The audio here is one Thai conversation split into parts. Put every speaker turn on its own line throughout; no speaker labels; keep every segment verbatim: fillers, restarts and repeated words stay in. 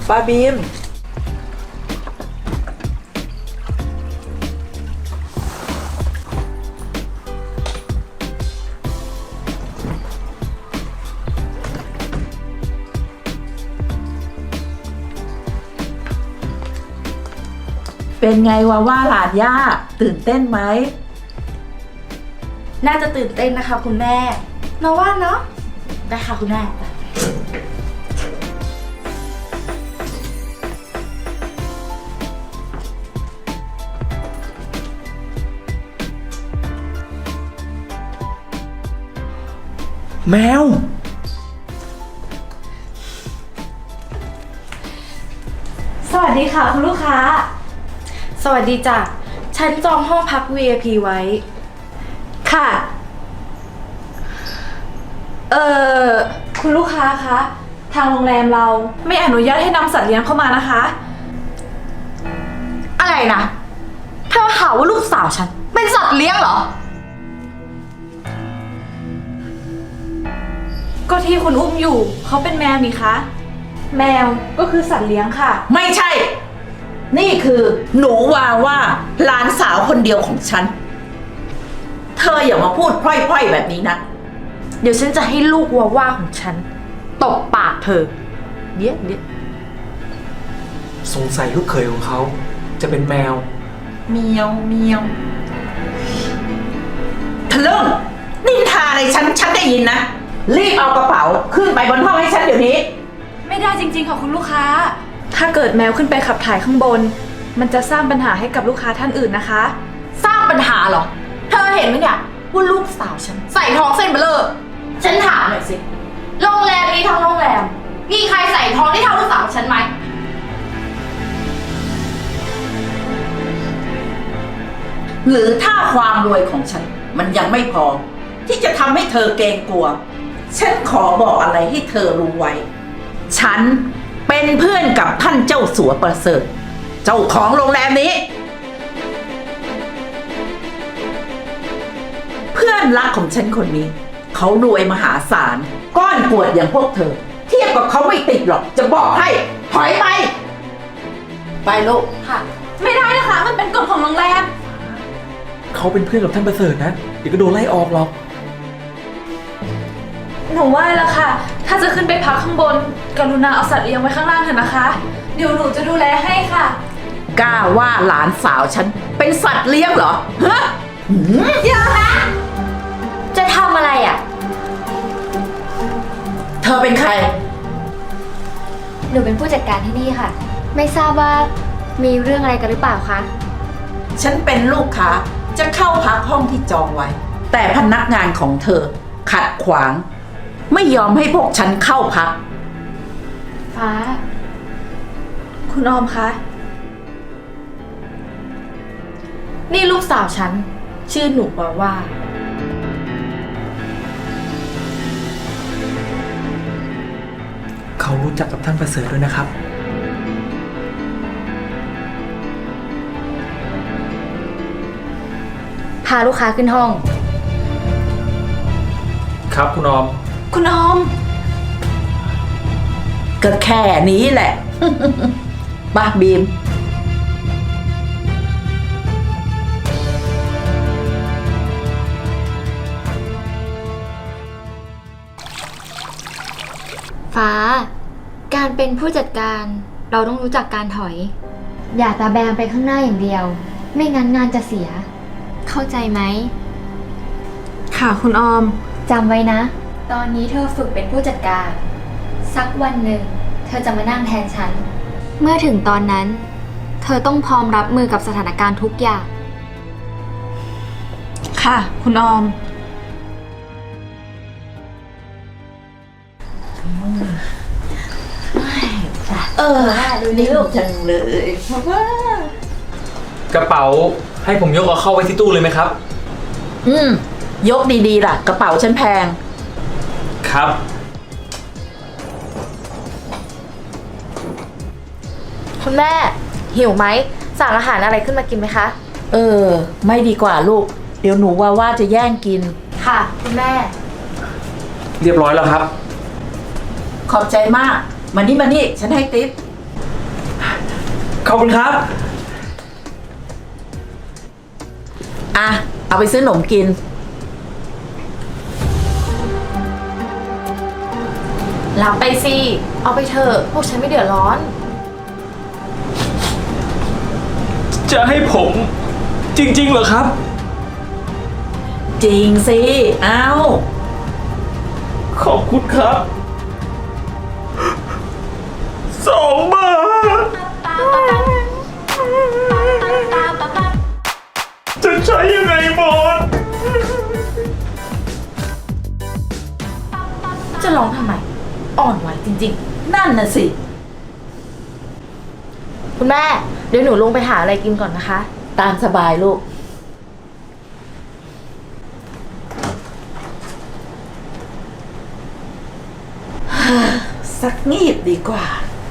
ป้าบีมเป็นไงวะว่าหลานย่าตื่นเต้นไหม
น่าจะตื่นเต้นนะคะคุณแม่มาว่าเนาะได้ค่ะคุณแม่
แมว
สวัสดีค่ะคุณลูกค้าสวัสดีจ้ะฉันจองห้องพัก วี ไอ พี ไว้ค่ะเอ่อคุณลูกค้าคะทางโรงแรมเราไม่อนุญาตให้นำสัตว์เลี้ยงเข้ามานะคะอะไรนะเธอหาว่าลูกสาวฉันเป็นสัตว์เลี้ยงเหรอก็ที่คุณอุ้มอยู่เขาเป็นแมวนี่คะแมวก็คือสัตว์เลี้ยงค่ะ
ไม่ใช่นี่คือหนูวาว่าหลานสาวคนเดียวของฉันเธออย่ามาพูดพร่อยๆแบบนี้นะ
เดี๋ยวฉันจะให้ลูกวาว่าของฉันตบปากเธอเดี๋ยวเดี๋ยว
สงสัยลูกเขยของเขาจะเป็นแมว
เมียวเมียวทะลึ่งนินทาอะไรฉันฉันได้ยินนะรีบเอากระเป๋าขึ้นไปบนห้องให้ฉันเดี๋ยวนี้
ไม่ได้จริงๆค่ะคุณลูกค้าถ้าเกิดแมวขึ้นไปขับถ่ายข้างบนมันจะสร้างปัญหาให้กับลูกค้าท่านอื่นนะคะสร้างปัญหาเหรอเธอเห็นไหมเนี่ยว่าลูกสาวฉันใส่ท้องเส้นเบลอฉันถามหน่อยสิโรงแรมนี้ทั้งโรงแรมมีใครใส่ท้องได้เท่าลูกสาวฉันไหม
หรือถ้าความรวยของฉันมันยังไม่พอที่จะทำให้เธอเกรงกลัวฉันขอบอกอะไรให้เธอรู้ไว้ฉันเป็นเพื่อนกับท่านเจ้าสัวประเสริฐเจ้าของโรงแรมนี้เพื่อนรักของฉันคนนี้เขารวยมหาศาลก้อนปวดอย่างพวกเธอเทียบกับเขาไม่ติดหรอกจะบอกให้ถอยไปไปลูก
ค่ะไม่ได้นะคะมันเป็นกฎของโรงแรม
เขาเป็นเพื่อนกับท่านประเสริฐนะเดี๋ยวก็โดนไล่ออกหรอก
หนูว่าแล้วค่ะถ้าจะขึ้นไปพักข้างบนกรุณาเอาสัตว์เลี้ยงไว้ข้างล่างเถอะนะคะเดี๋ยวหนูจะดูแลให้ค่ะ
กล้าว่าหลานสาวฉันเป็นสัตว์เลี้ยงเหรอฮะ
อย่านะจะทำอะไรอ่ะ
เธอเป็นใคร
หนูเป็นผู้จัดการที่นี่ค่ะไม่ทราบว่ามีเรื่องอะไรกันหรือเปล่าคะ
ฉันเป็นลูกค้าจะเข้าพักห้องที่จองไว้แต่พนักงานของเธอขัดขวางไม่ยอมให้พวกฉันเข้าพัก
ฟ้า
คุณออมคะนี่ลูกสาวฉันชื่อหนูว่าว่า
เขารู้จักกับท่านประเสริฐด้วยนะครับ
พาลูกค้าขึ้นห้อง
ครับคุณออม
คุณออม
ก็แค่นี้แหละ บ้าบีม
ฟ้าการเป็นผู้จัดการเราต้องรู้จักการถอยอย่าตาแบงไปข้างหน้าอย่างเดียวไม่งั้นงานจะเสียเข้าใจไหม
ค่ะคุณออม
จำไว้นะตอนนี้เธอฝึกเป็นผู้จัดการสักวันหนึ่งเธอจะมานั่งแทนฉันเมื่อถึงตอนนั้นเธอต้องพร้อมรับมือกับสถานการณ์ทุกอย่าง
ค่ะคุณออม
เออนี่ลูกจังเลยเพราะว่
ากระเป๋าให้ผมยกเอาเข้าไว้ที่ตู้เลยไหมครับ
อืมยกดีๆล่ะกระเป๋าฉันแพง
ครับ
คุณแม่หิวไหมสั่งอาหารอะไรขึ้นมากินไหมคะ
เออไม่ดีกว่าลูกเดี๋ยวหนูว่าว่าจะแย่งกิน
ค่ะคุณแม่
เรียบร้อยแล้วครับ
ขอบใจมากมานี่มานี่ฉันให้ติ๊บ
ขอบคุณครับ
อ่ะ เอาไปซื้อขนมกิน
รับไปสิ เอาไปเถอะ พวกฉันไม่เดือดร้อน
จะให้ผมจริงๆเหรอครับ
จริงสิ เอา
ขอบคุณครับสองบาทจะใช้ยังไงหมด
จะร้องทำไม อ่อนไหวจริง
นั่นน่ะสิ
ๆ คุณแม่ เดี๋ยวหนูลงไปหาอะไรกินก่อนนะคะ
ตามสบายลูก สักงีบดีกว่า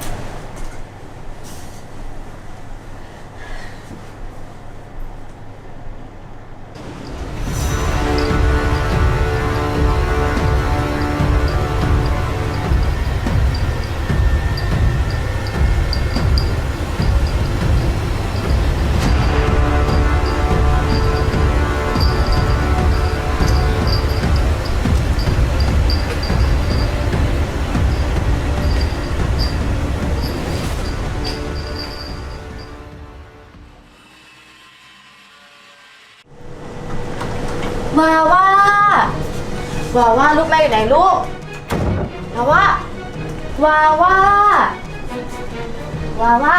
วาว่า วาว่าลูกแม่อยู่ไหนลูก วาว่า วาว่า วาว่า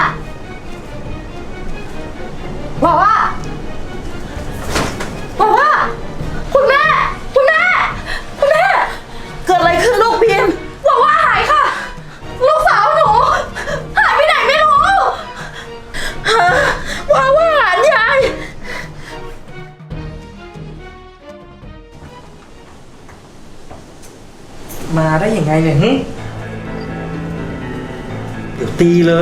วาว่า วาว่า คุณแม่ คุณแม่ คุณแม่
เกิดอะไรขึ้นลูกพิมพ์
วาว่าหายค่ะ ลูกสาวหนู หายไปไหนไม่รู้
ฮะว่าว่าหลานยาย
มาได้ยังไงเนี่ยหึเดี๋ยวตีเลย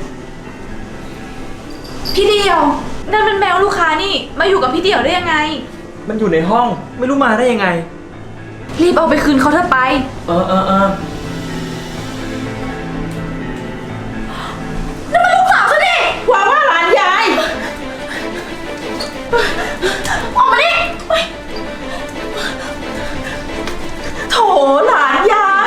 พี่เดียวนั่นเป็นแมวลูกค้านี่ มาอยู่กับพี่เดียวได้ยังไง
มันอยู่ในห้อง ไม่รู้มาได้ยังไง
รีบเอาไปคืนเขาเถอะไป
เออเออเออ
ว่าว่าหลานยาย
ออกมาดิ
โถหลานยาย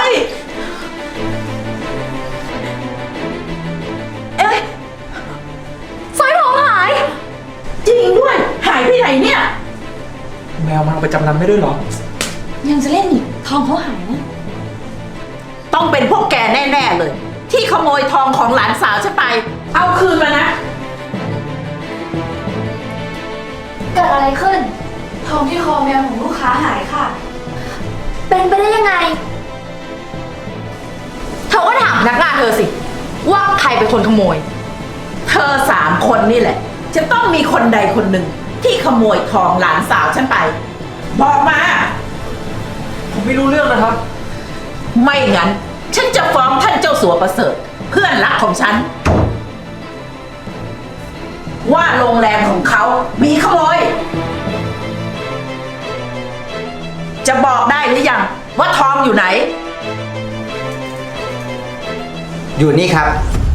เอ้ยสร้อยทองหาย
จริงด้วย หายไปไหนเนี่ย
แมวมาเอาไปจำนำได้ด้วยเหรอ
ยังจะเล่นอีกทองเขาหายนะ
ต้องเป็นพวกแกแน่ๆเลย ที่ขโมยทองของหลานสาวฉันไป เอาคืนมานะ
เกิดอะไรขึ้น
ทองที่คอแมวของลูกค้าหายค่ะ
เป็นไปได้ยังไง
เธอก็ถามพนักงานเธอสิ ว่าใครเป็นคนขโมย
เธอสามคนนี่แหละ จะต้องมีคนใดคนหนึ่งที่ขโมยทองหลานสาวฉันไป บอกมา
ผมไม่รู้เรื่องนะครับ
ไม่งั้น ฉันจะฟ้องท่านเจ้าสัวประเสริฐ เพื่อนรักของฉัน ว่าโรงแรมของเขามีขโมย จะบอกได้หรือยังว่าทองอยู่ไหน
อยู่นี่ครับ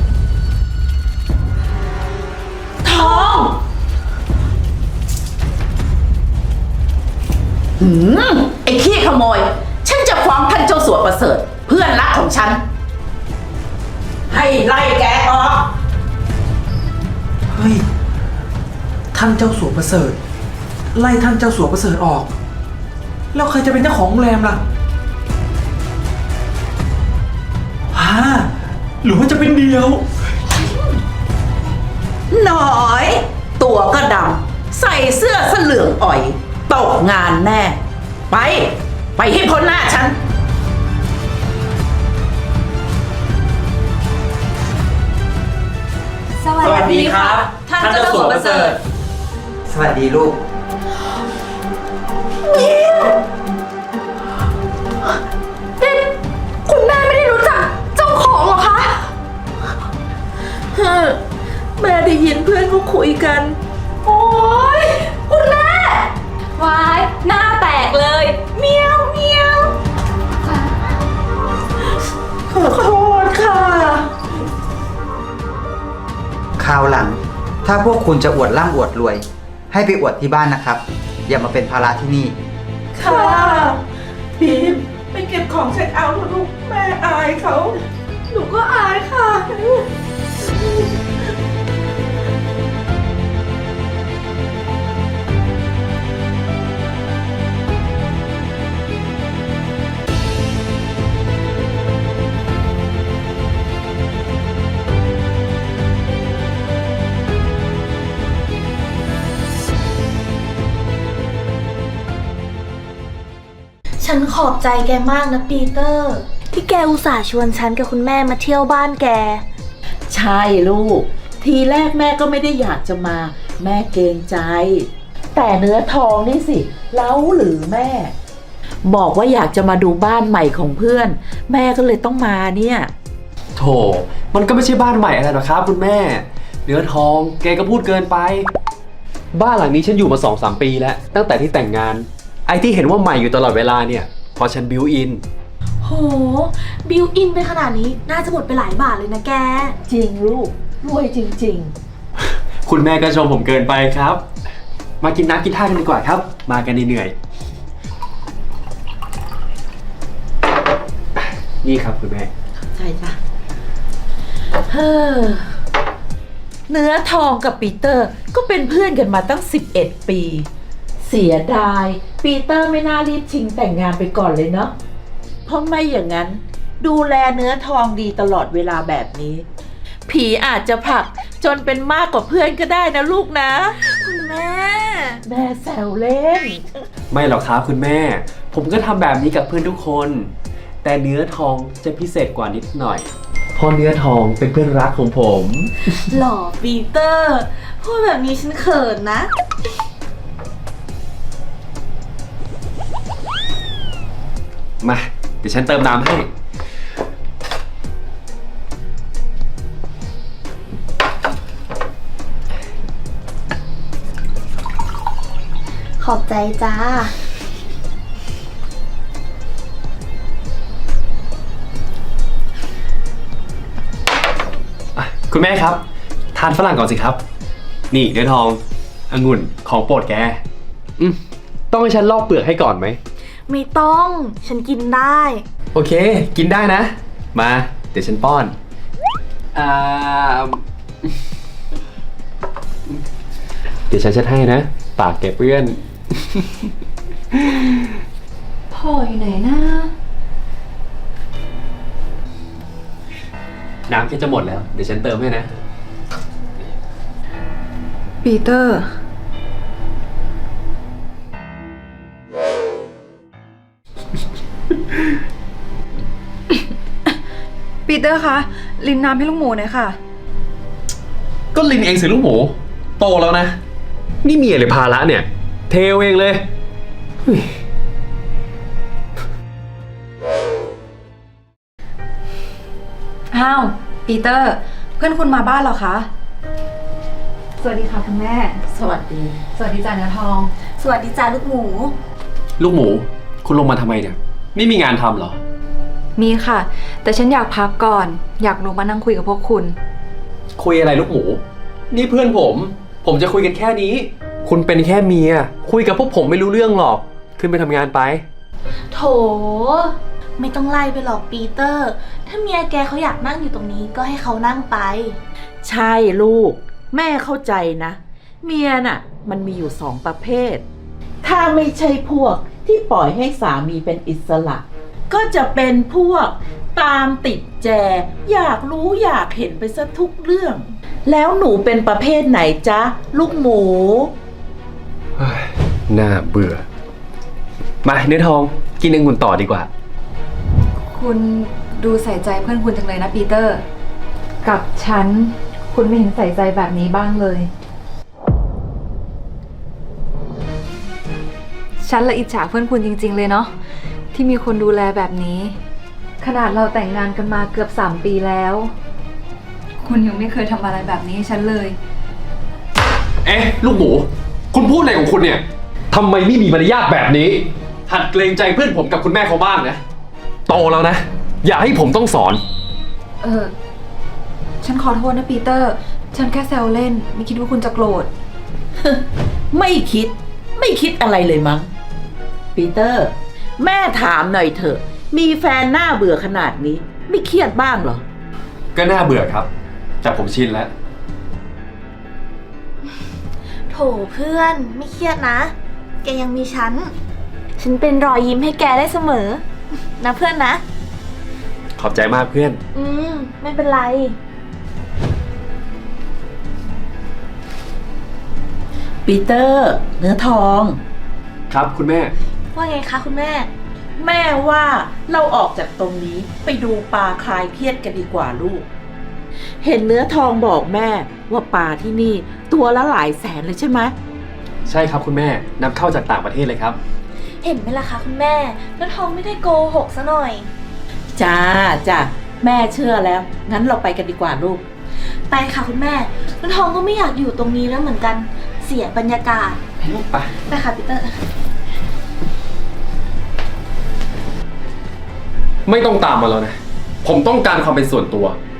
ทองหืมไอ้ขี้ขโมย ฉันจะฟ้องท่านเจ้าสัวประเสริฐ เพื่อนรักของฉัน ให้ไล่แกออก
เฮ้ย ท่านเจ้าสัวประเสริฐ ไล่ท่านเจ้าสัวประเสริฐออก แล้วใครจะเป็นเจ้าของโรงแรมล่ะฮ่าหรือว่าจะเป็นเดียว
หน่อย ตัวก็ดำ ใส่เสื้อเสเหลืองอ่อย ตกงานแน่ ไป ไปให้พ้นหน้าฉัน
สวัส
สวัสดีครับ
ท่านเจ้าสัวประเสริฐ
สวัสดีลูก
คุณแม่ไม่ได้รู้จักเจ้าของเหรอคะ
แม่ได้ยินเพื่อนเขาคุยกัน
โอ๊ย คุณแม่ วาย หน้าแตกเลย เมียวเมียว
ขอโทษค่ะ
คราวหถ้าพวกคุณจะอวดร่ำอวดรวย ให้ไปอวดที่บ้านนะครับ อย่ามาเป็นภาระที่นี่
ค่ะบีมไปเก็บของเช็คเอาท์เถอะลูกแม่อายเขา
หนูก็อายค่ะ
ฉันขอบใจแกมากนะปีเตอร์ ที่แกอุตส่าห์ชวนฉันกับคุณแม่มาเที่ยวบ้านแก
ใช่ลูก ทีแรกแม่ก็ไม่ได้อยากจะมา แม่เกรงใจ แต่เนื้อทองนี่สิเล้าหรือแม่ บอกว่าอยากจะมาดูบ้านใหม่ของเพื่อน แม่ก็เลยต้องมาเนี่ย
โถมันก็ไม่ใช่บ้านใหม่อะไรหรอกครับคุณแม่ เนื้อทองแกก็พูดเกินไป บ้านหลังนี้ฉันอยู่มาสองสามปีแล้ว ตั้งแต่ที่แต่งงาน ไอ้ที่เห็นว่าใหม่อยู่ตลอดเวลาเนี่ยพอฉันบิวอิน
โห บิวอินไปขนาดนี้น่าจะหมดไปหลายบาทเลยนะแก
จริงลูกรวยจริง
คุณแม่ก็ชมผมเกินไปครับ มากินน้ำกินท่ากันดีกว่าครับ มากันเหนื่อยๆนี่ครับคุณแม่
ๆ ใช่จ้ะเฮ้อเนื้อทองกับปีเตอร์ก็เป็นเพื่อนกันมาตั้งสิบเอ็ดปี เสียดายปีเตอร์ไม่น่ารีบชิงแต่งงานไปก่อนเลยเนาะเพราะไม่อย่างนั้น ดูแลเนื้อทองดีตลอดเวลาแบบนี้ ผีอาจจะผลักจนเป็นมากกว่าเพื่อนก็ได้นะลูกนะ
คุณแม่
แม่แซวเล่น
ไม่หรอกครับคุณแม่ ผมก็ทำแบบนี้กับเพื่อนทุกคน แต่เนื้อทองจะพิเศษกว่านิดหน่อยเพราะเนื้อทองเป็นเพื่อนรักของผม
หล่อปีเตอร์ พูดแบบนี้ฉันเขินนะ
มาเดี๋ยวฉันเติมน้ำให้
ขอบใจจ้า
คุณแม่ครับ ทานฝรั่งก่อนสิครับ นี่เนื้อทององุ่นของโปรดแกอืมต้องให้ฉันลอกเปลือกให้ก่อนไหม
ไม่ต้อง ฉันกินได้
โอเค กินได้นะ มา เดี๋ยวฉันป้อน อ่า เดี๋ยวฉันเช็ดให้นะ ปากแกเปื้อน
พ่ออยู่ไหนนะ
น้ำแค่จะหมดแล้ว เดี๋ยวฉันเติมให้นะ
ปีเตอร์ ปีเตอร์คะ ลินน้ำให้ลูกหมูหน่อยค่ะ
ก็ลินเองสิลูกหมู โตแล้วนะ นี่เมียหรือภาระเนี่ย เทเองเลยเฮ้ย
อ้าว ปีเตอร์ เพื่อนคุณมาบ้านเหรอคะ สวัสดีค่ะคุณแม่
สวัสดี
สวัสดีจ่าเนื้อทอง
สวัสดีจ้าลูกหมู
ลูกหมู คุณลงมาทำไมเนี่ย ไม่มีงานทำเหรอ
มีค่ะ แต่ฉันอยากพักก่อน อยากลงมานั่งคุยกับพวกคุณ
คุยอะไรลูกหมู นี่เพื่อนผม ผมจะคุยกันแค่นี้ คุณเป็นแค่เมีย คุยกับพวกผมไม่รู้เรื่องหรอก ขึ้นไปทำงานไป
โถ ไม่ต้องไล่ไปหรอกปีเตอร์ ถ้าเมียแกเขาอยากนั่งอยู่ตรงนี้ก็ให้เขานั่งไป
ใช่ลูก แม่เข้าใจนะ เมียน่ะ มันมีอยู่สองประเภท ถ้าไม่ใช่พวกที่ปล่อยให้สามีเป็นอิสระ ก็จะเป็นพวกตามติดแจ อยากรู้อยากเห็นไปซะทุกเรื่อง แล้วหนูเป็นประเภทไหนจ๊ะ ลูกหมู
เฮ้ยน่าเบื่อ มาเนื้อทอง กินองุ่นต่อดีกว่า
คุณดูใส่ใจเพื่อนคุณจังเลยนะปีเตอร์ กับฉัน คุณไม่เห็นใส่ใจแบบนี้บ้างเลย ฉันละอิจฉาเพื่อนคุณจริงๆเลยเนาะที่มีคนดูแลแบบนี้ ขนาดเราแต่งงานกันมาเกือบสามปีแล้ว คุณยังไม่เคยทำอะไรแบบนี้ให้ฉันเลย
เอ๊ะ ลูกหมู คุณพูดอะไรของคุณเนี่ยทำไมไม่มีมารยาทแบบนี้ หัดเกรงใจเพื่อนผมกับคุณแม่เขาบ้างนะ โตแล้วนะ อย่าให้ผมต้องสอน
เออ ฉันขอโทษนะปีเตอร์ฉันแค่แซวเล่น ไม่คิดว่าคุณจะโกรธ
ไม่คิด ไม่คิดอะไรเลยมั้ง ปีเตอร์ แม่ถามหน่อยเถอะ มีแฟนหน้าเบื่อขนาดนี้ ไม่เครียดบ้างเหรอ
ก็น่าเบื่อครับแต่ผมชินแล้ว
โถเพื่อนไม่เครียดนะ แกยังมีฉัน ฉันเป็นรอยยิ้มให้แกได้เสมอ นะเพื่อนนะ
ขอบใจมากเพื่อน
อืม ไม่เป็นไร
ปีเตอร์ เนื้อทอง
ครับคุณแม่
ว่าไงคะคุณแม่
แม่ว่าเราออกจากตรงนี้ไปดูปลาคลายเครียดกันดีกว่าลูก เห็นเนื้อทองบอกแม่ว่าปลาที่นี่ตัวละหลายแสนเลยใช่ไหม
ใช่ครับคุณแม่นำเข้าจากต่างประเทศเลยครับ
เห็นไหมล่ะคะคุณแม่แล้วทองไม่ได้โกหกซะหน่อย
จ้าจ้าแม่เชื่อแล้ว งั้นเราไปกันดีกว่าลูก
ไปค่ะคุณแม่แล้วทองก็ไม่อยากอยู่ตรงนี้แล้วเหมือนกัน เสียบรรยากาศ
ไป
ไปค่ะปีเตอร์
ไม่ต้องตามมาแล้วนะ ผมต้องการความเป็นส่วนตัว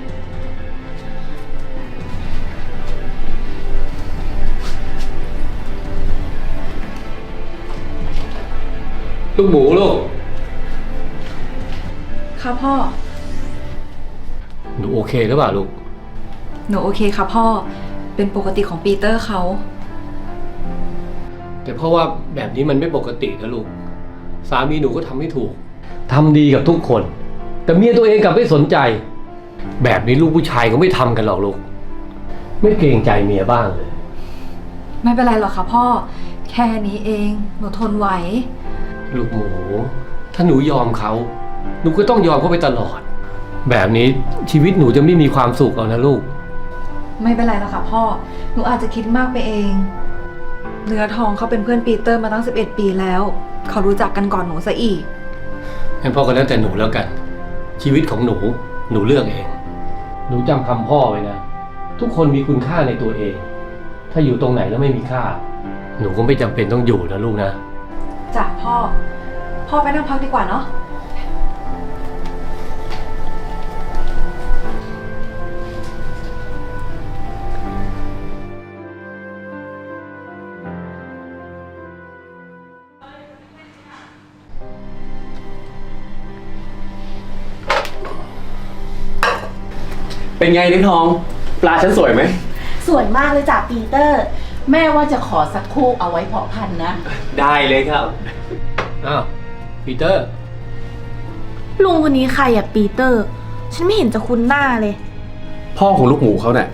ลูกหมูลูก
ค่ะพ่อ
หนูโอเคหรือเปล่าลูก
หนูโอเคค่ะพ่อ เป็นปกติของปีเตอร์เขา
แต่เพราะว่าแบบนี้มันไม่ปกตินะลูก สามีหนูก็ทำไม่ถูก ทำดีกับทุกคน แต่เมียตัวเองกลับไม่สนใจ แบบนี้ลูกผู้ชายก็ไม่ทำกันหรอกลูก ไม่เกรงใจเมียบ้างเลย
ไม่เป็นไรหรอกค่ะพ่อ แค่นี้เอง หนูทนไหว
ลูกหมู ถ้าหนูยอมเขา หนูก็ต้องยอมเขาไปตลอด แบบนี้ชีวิตหนูจะไม่มีความสุขเอานะลูก
ไม่เป็นไรหรอกค่ะพ่อ หนูอาจจะคิดมากไปเอง เนื้อทองเขาเป็นเพื่อนปีเตอร์มาตั้งสิบเอ็ดปีแล้ว เขารู้จักกันก่อนหนูซะอีก
งั้นพ่อก็แล้วแต่หนูแล้วกัน ชีวิตของหนู หนูเลือกเอง หนูจำคำพ่อไว้นะ ทุกคนมีคุณค่าในตัวเอง ถ้าอยู่ตรงไหนแล้วไม่มีค่า หนูก็ไม่จำเป็นต้องอยู่นะลูกนะ
จ้ะพ่อ พ่อไปนั่งพักดีกว่าเนาะ
เป็นไงนิ้งทอง ปลาฉันสวยไหม
สวยมากเลยจ้ะปีเตอร์
แม่ว่าจะขอสักคู่เอาไว้เพาะพันธุ์นะ
ได้เลยครับ
อ้าว ปีเตอร์
ลุงคนนี้ใครอะปีเตอร์ ฉันไม่เห็นจะคุ้นหน้าเลย
พ่อของลูกหมูเขาเนี่ย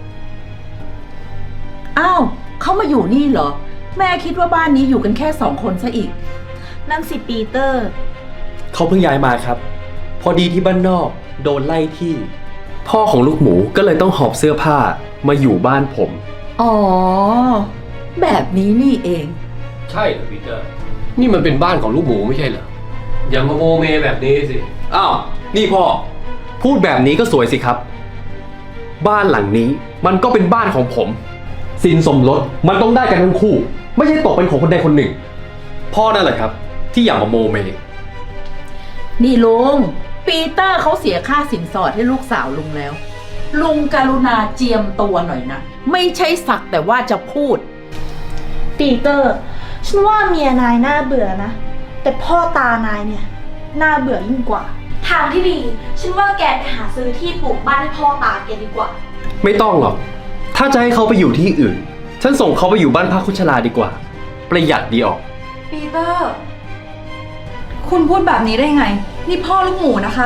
อ้าวเขามาอยู่นี่เหรอ แม่คิดว่าบ้านนี้อยู่กันแค่สองคนซะอีก
นั่นสิปีเตอร์
เขาเพิ่งย้ายมาครับ พอดีที่บ้านนอกโดนไล่ที่ พ่อของลูกหมูก็เลยต้องหอบเสื้อผ้ามาอยู่บ้านผม
อ๋อ แบบนี้นี่เอง
ใช่เหรอปีเตอร์ นี่มันเป็นบ้านของลูกหมูไม่ใช่เหรอ อย่ามาโมเมแบบนี้สิ
อ้าว นี่พ่อ พูดแบบนี้ก็สวยสิครับ บ้านหลังนี้มันก็เป็นบ้านของผม สินสมรสมันต้องได้กันทั้งคู่ ไม่ใช่ตกเป็นของคนใดคนหนึ่ง พ่อนั่นแหละครับ ที่อยากมาโมเม
นี่ลุง ปีเตอร์เขาเสียค่าสินสอดให้ลูกสาวลุงแล้ว ลุงกรุณาเจียมตัวหน่อยนะ ไม่ใช่สักแต่ว่าจะพูด
ปีเตอร์ ฉันว่าเมียนายน่าเบื่อนะ แต่พ่อตานายเนี่ย น่าเบื่อยิ่งกว่า ทางที่ดี ฉันว่าแกไปหาซื้อที่ปลูกบ้านให้พ่อตาแกดีกว่า
ไม่ต้องหรอก ถ้าจะให้เขาไปอยู่ที่อื่น ฉันส่งเขาไปอยู่บ้านพักคุชลาดีกว่า ประหยัดดีออก
ปีเตอร์ คุณพูดแบบนี้ได้ไง นี่พ่อลูกหมูนะคะ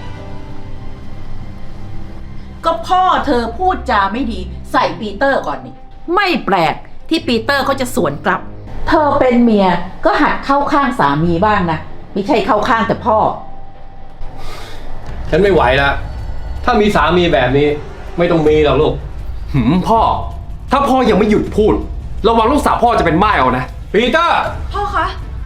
ก็พ่อเธอพูดจาไม่ดีใส่ปีเตอร์ก่อนนี่ ไม่แปลกที่ปีเตอร์เขาจะสวนกลับ เธอเป็นเมียก็หัดเข้าข้างสามีบ้างนะ ไม่ใช่เข้าข้างแต่พ่อ
ฉันไม่ไหวละถ้ามีสามีแบบนี้ ไม่ต้องมีหรอกลูก
หืมพ่อ ถ้าพ่อยังไม่หยุดพูด ระวังลูกสาวพ่อจะเป็นม่ายเอานะ
ปีเตอร์
พ่อคะ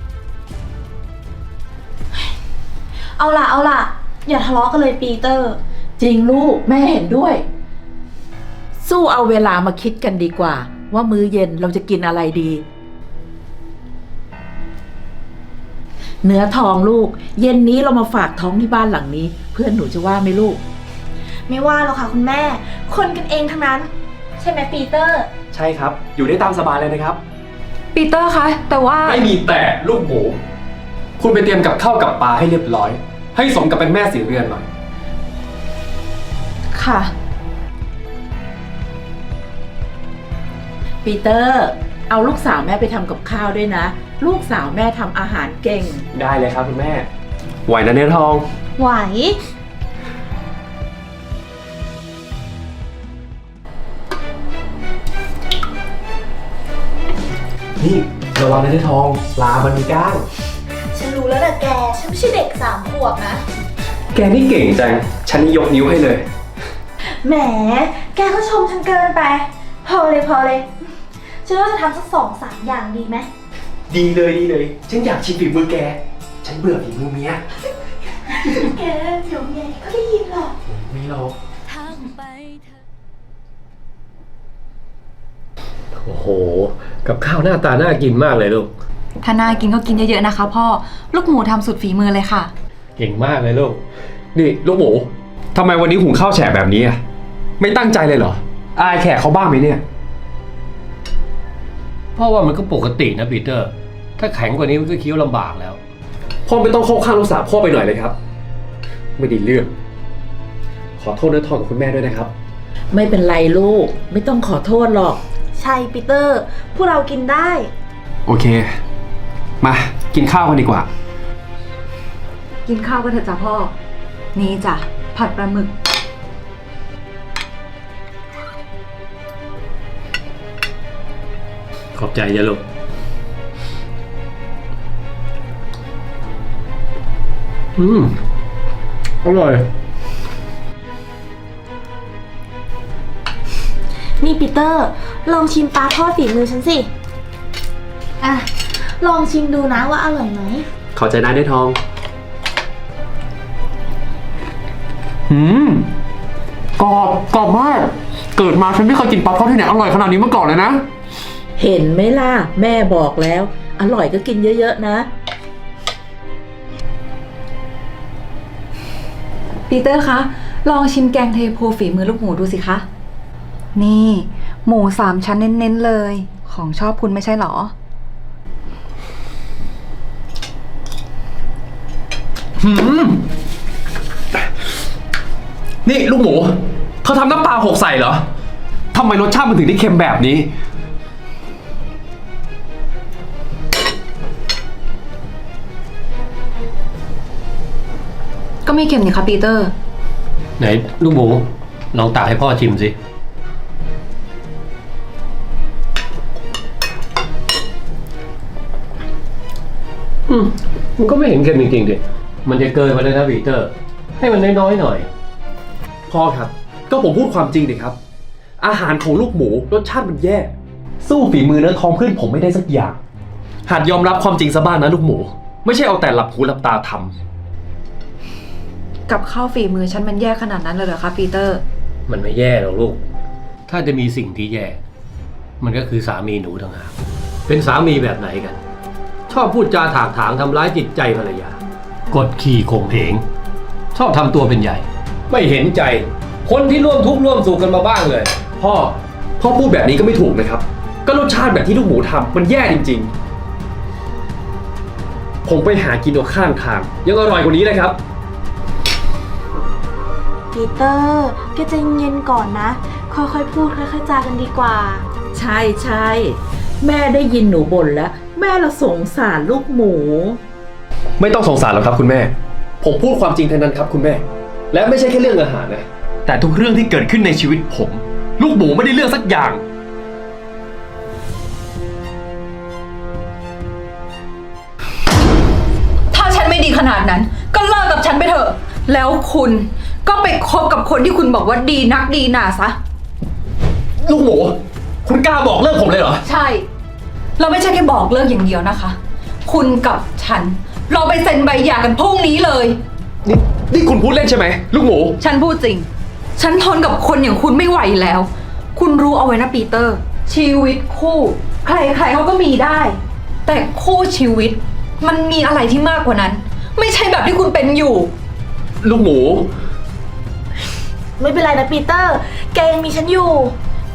เอาล่ะเอาล่ะ อย่าทะเลาะกันเลยปีเตอร์
จริงลูกแม่เห็นด้วย สู้เอาเวลามาคิดกันดีกว่า ว่ามื้อเย็นเราจะกินอะไรดี เนื้อทองลูก เย็นนี้เรามาฝากท้องที่บ้านหลังนี้ เพื่อนหนูจะว่าไหมลูก
ไม่ว่าหรอกค่ะคุณแม่ คนกันเองทั้งนั้นใช่ไหมปีเตอร์
ใช่ครับ อยู่ได้ตามสบายเลยนะครับ
ปีเตอร์คะ แต่ว่า
ไม่มีแต่ลูกหมู คุณไปเตรียมกับข้าวกับปลาให้เรียบร้อย ให้สมกับเป็นแม่สีเรือนหน่อย
ค่ะ
ปีเตอร์ เอาลูกสาวแม่ไปทำกับข้าวด้วยนะ ลูกสาวแม่ทำอาหารเก่ง
ได้เลยครับคุณแม่ ไหวนะเนื้อทอง
ไหว
นี่ระวังนะเนื้อทองปลามันมีก้าง
ฉันรู้แล้วนะแก ฉันไม่ใช่เด็กสามขวบนะ
แกนี่เก่งจัง ฉันนี่ยกนิ้วให้เลย
แหม แกก็ชมฉันเกินไป พอเลยพอเลย ฉันว่าจะทำสักสองสามอย่างดีไหม
ดีเลยดีเลย ฉันอยากชิมฝีมือแก ฉันเบื่อฝีมือเมีย
แกเดี๋ยวเมียก็ได้ยินหรอก
ไม่หรอก
โอ้โห กับข้าวหน้าตาน่ากินมากเลยลูก
ถ้าน่ากินก็กินเยอะๆนะคะพ่อ ลูกหมูทำสุดฝีมือเลยค่ะ
เก่งมากเลยลูก
นี่ลูกหมูทำไมวันนี้หุงข้าวแฉะแบบนี้อะไม่ตั้งใจเลยเหรอ อายแขกเขาบ้างไหมเนี่ย
เพราะว่ามันก็ปกตินะปีเตอร์ ถ้าแข็งกว่านี้มันก็เคี้ยวลำบากแล้ว
พ่อไม่ต้องเข้าข้างลูกสาวพ่อไปหน่อยเลยครับ ไม่ดีเรื่อง ขอโทษเนื้อทองกับคุณแม่ด้วยนะครับ
ไม่เป็นไรลูก ไม่ต้องขอโทษหรอก
ใช่ปีเตอร์ พวกเรากินได้
โอเค มากินข้าวกันดีกว่า
กินข้าวกันเถอะจ้ะพ่อ นี่จ้ะ ผัดปลาหมึก
ขอบใจจ้ะลูก อืม อร่อย
นี่ปีเตอร์ ลองชิมปลาทอดฝีมือฉันสิ อ่ะ ลองชิมดูนะว่าอร่อยไหม
ขอใจนะเนื้อทอง หืม กรอบ กรอบมาก เกิดมาฉันไม่เคยกินปลาทอดที่ไหนอร่อยขนาดนี้มาก่อนเลยนะ
เห็นไหมล่ะ แม่บอกแล้ว อร่อยก็กินเยอะๆนะ
ปีเตอร์คะ ลองชิมแกงเทโพฝีมือลูกหมูดูสิคะ นี่ หมูสามชั้นเน้นๆเลย ของชอบคุณไม่ใช่หรอ
หืม นี่ลูกหมู เธอทำน้ำปลาหกใส่เหรอ ทำไมรสชาติมันถึงได้เค็มแบบนี้
ก็ไม่เค็มนี่คะปีเตอร์
ไหนลูกหมู ลองตักให้พ่อชิมสิ อืม มันก็ไม่เห็นเค็มจริงๆดิ มันจะเกินไปเลยนะปีเตอร์ ให้มันน้อยๆหน่อย
พ่อครับ ก็ผมพูดความจริงดิครับ อาหารของลูกหมูรสชาติมันแย่ สู้ฝีมือเนื้อทองเพื่อนผมไม่ได้สักอย่าง หัดยอมรับความจริงซะบ้างนะลูกหมู ไม่ใช่เอาแต่หลับหูหลับตาทำ
กับข้าวฝีมือฉันมันแย่ขนาดนั้นเลยเหรอคะปีเตอร์
มันไม่แย่หรอกลูก ถ้าจะมีสิ่งที่แย่ มันก็คือสามีหนูต่างหาก เป็นสามีแบบไหนกัน ชอบพูดจาถากถางทำร้ายจิตใจภรรยา กดขี่ข่มเหง ชอบทำตัวเป็นใหญ่ ไม่เห็นใจ คนที่ร่วมทุกข์ร่วมสุขกันมาบ้างเลย
พ่อ พ่อพูดแบบนี้ก็ไม่ถูกนะครับ ก็รสชาติแบบที่ลูกหมูทำมันแย่จริงๆ ผมไปหากินเอาข้างทาง ยังอร่อยกว่านี้เลยครับ
ปีเตอร์แกใจเย็นก่อนนะ ค่อยๆพูดค่อยๆจากันดีกว่า
ใช่ใช่แม่ได้ยินหนูบ่นแล้ว แม่ละสงสารลูกหมู
ไม่ต้องสงสารหรอกครับคุณแม่ ผมพูดความจริงเท่านั้นครับคุณแม่ และไม่ใช่แค่เรื่องอาหารนะ แต่ทุกเรื่องที่เกิดขึ้นในชีวิตผม ลูกหมูไม่ได้เลือกสักอย่าง
ถ้าฉันไม่ดีขนาดนั้น ก็เลิกกับฉันไปเถอะ แล้วคุณก็ไปคบกับคนที่คุณบอกว่าดีนักดีหนาซะ
ลูกหมู คุณกล้าบอกเลิกผมเลยเหรอ
ใช่ เราไม่ใช่แค่บอกเลิกอย่างเดียวนะคะ คุณกับฉัน เราไปเซ็นใบหย่ากันพรุ่งนี้เลย
นี่นี่คุณพูดเล่นใช่ไหมลูกหมู
ฉันพูดจริง ฉันทนกับคนอย่างคุณไม่ไหวแล้ว คุณรู้เอาไว้นะปีเตอร์ ชีวิตคู่ ใครๆเขาก็มีได้ แต่คู่ชีวิต มันมีอะไรที่มากกว่านั้น ไม่ใช่แบบที่คุณเป็นอยู่
ลูกหมู
ไม่เป็นไรนะปีเตอร์ แกยังมีฉันอยู่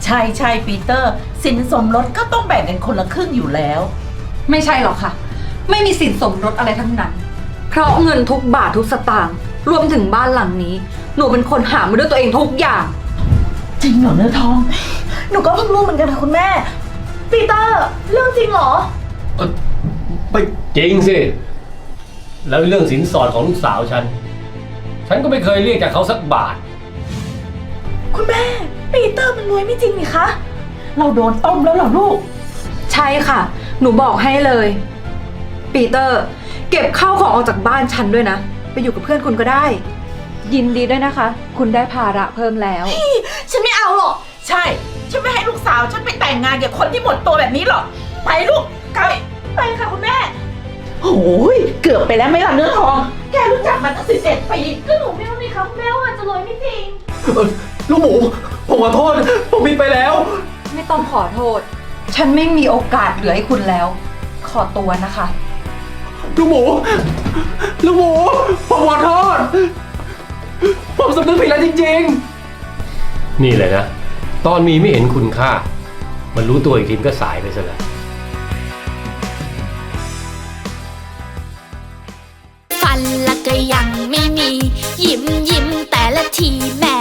ใช่ใช่ปีเตอร์ สินสมรสก็ต้องแบ่งกันคนละครึ่งอยู่แล้ว
ไม่ใช่หรอกค่ะ ไม่มีสินสมรสอะไรทั้งนั้น เพราะเงินทุกบาททุกสตางค์รวมถึงบ้านหลังนี้ หนูเป็นคนหามาด้วยตัวเองทุกอย่าง
จริงเหรอเนื้อทอง
หนูก็เพิ่งรู้เหมือนกันค่ะคุณแม่ ปีเตอร์ เรื่องจริงเหรอ
เอ่อไม่จริงสิ แล้วเรื่องสินสอดของลูกสาวฉัน ฉันก็ไม่เคยเรียกจากเขาสักบาท
คุณแม่ ปีเตอร์มันรวยไม่จริงนี่คะ
เราโดนต้มแล้วเหรอลูก
ใช่ค่ะ หนูบอกให้เลย ปีเตอร์ เก็บข้าวของออกจากบ้านฉันด้วยนะ ไปอยู่กับเพื่อนคุณก็ได้ ยินดีด้วยนะคะ คุณได้ภาระเพิ่มแล้ว
ฉันไม่เอาหรอก
ใช่ ฉันไม่ให้ลูกสาวฉันไปแต่งงานกับคนที่หมดตัวแบบนี้หรอก ไปลูกไกล
ไปค่ะคุณแม่
โอ้ยเกือบไปแล้วไหม่ล่ะเนื้อทอง แกรู้จักมันตั้งสิบเจ็ดปี
ก็หนูไม่รู้นี่คะคุณแม่ว่ามันจะรวยไม่จริง
เอ่อลูกหมู ผมขอโทษ ผมผิดไปแล้ว
ไม่ต้องขอโทษ ฉันไม่มีโอกาสเหลือให้คุณแล้ว ขอตัวนะคะ
ลูกหมู ลูกหมู ผมขอโทษ ผมสำนึกผิดแล้วจริงๆ
นี่แหละนะ ตอนมีไม่เห็นคุณค่า มันรู้ตัวอีกทีก็สายไปซะแล้ว
ฟันละก็ยังไม่มี ยิ้มยิ้มแต่ละทีแม่